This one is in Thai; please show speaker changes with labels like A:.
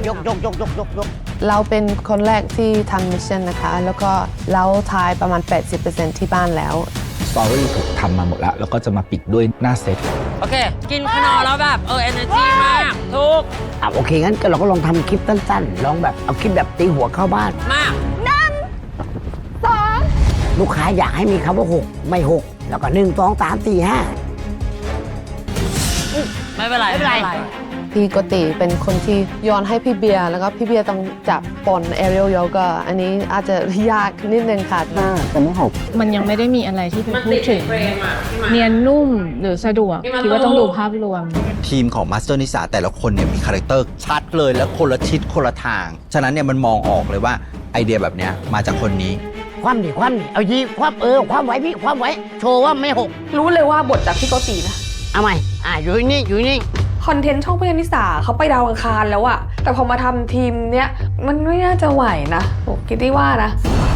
A: ยก
B: เราเป็นคนแรกที่ทำมิชชั่นนะคะแล้วก็เราทายประมาณ 80% ที่บ้านแล้ว
C: สตอรี่ถูกทำมาหมดแล้วก็จะมาปิดด้วยหน้าเซต
D: โอเคกินขนมแล้วแบบenergy มากทุก
A: โอเคงั้นเราก็ลองทำคลิปสั้นๆลองแบบเอาคลิปแบบตีหัวเข้าบ้าน
D: มาก
A: ลูกค้าอยากให้มีคำว่า6ไม่6แล้วก็1 2 3 4 5
D: ไม่เป็นไร
B: พี่โกติเป็นคนที่โยนให้พี่เบียร์แล้วก็พี่เบียร์ต้องจับปนแอเรียลโยกอันนี้อาจจะยากนิดนึงค่ะ
A: แต่ไม่
E: มันยังไม่ได้มีอะไรที่พูดถึงเนียนนุ่มหรือสะดวกคิดว่าต้องดูภาพรวม
C: ทีมของมาสเตอร์นิสาแต่ละคนเนี่ยมีคาแรคเตอร์ชัดเลยและคนละทิศคนละทางฉะนั้นเนี่ยมันมองออกเลยว่าไอเดียแบบเนี้ยมาจากคนนี้
A: ความดิเอายีความความไว้พี่ความไว้โชว์ว่าไม่6
F: รู้เลยว่าบทจากพี่โกตินะ
A: เอาใหม่อยู่นี่
F: คอนเทนต์ช่องพยานิสาเขาไปดาวอังคารแล้วอะแต่พอมาทำทีมเนี้ยมันไม่น่าจะไหวนะผมคิดได้ว่านะ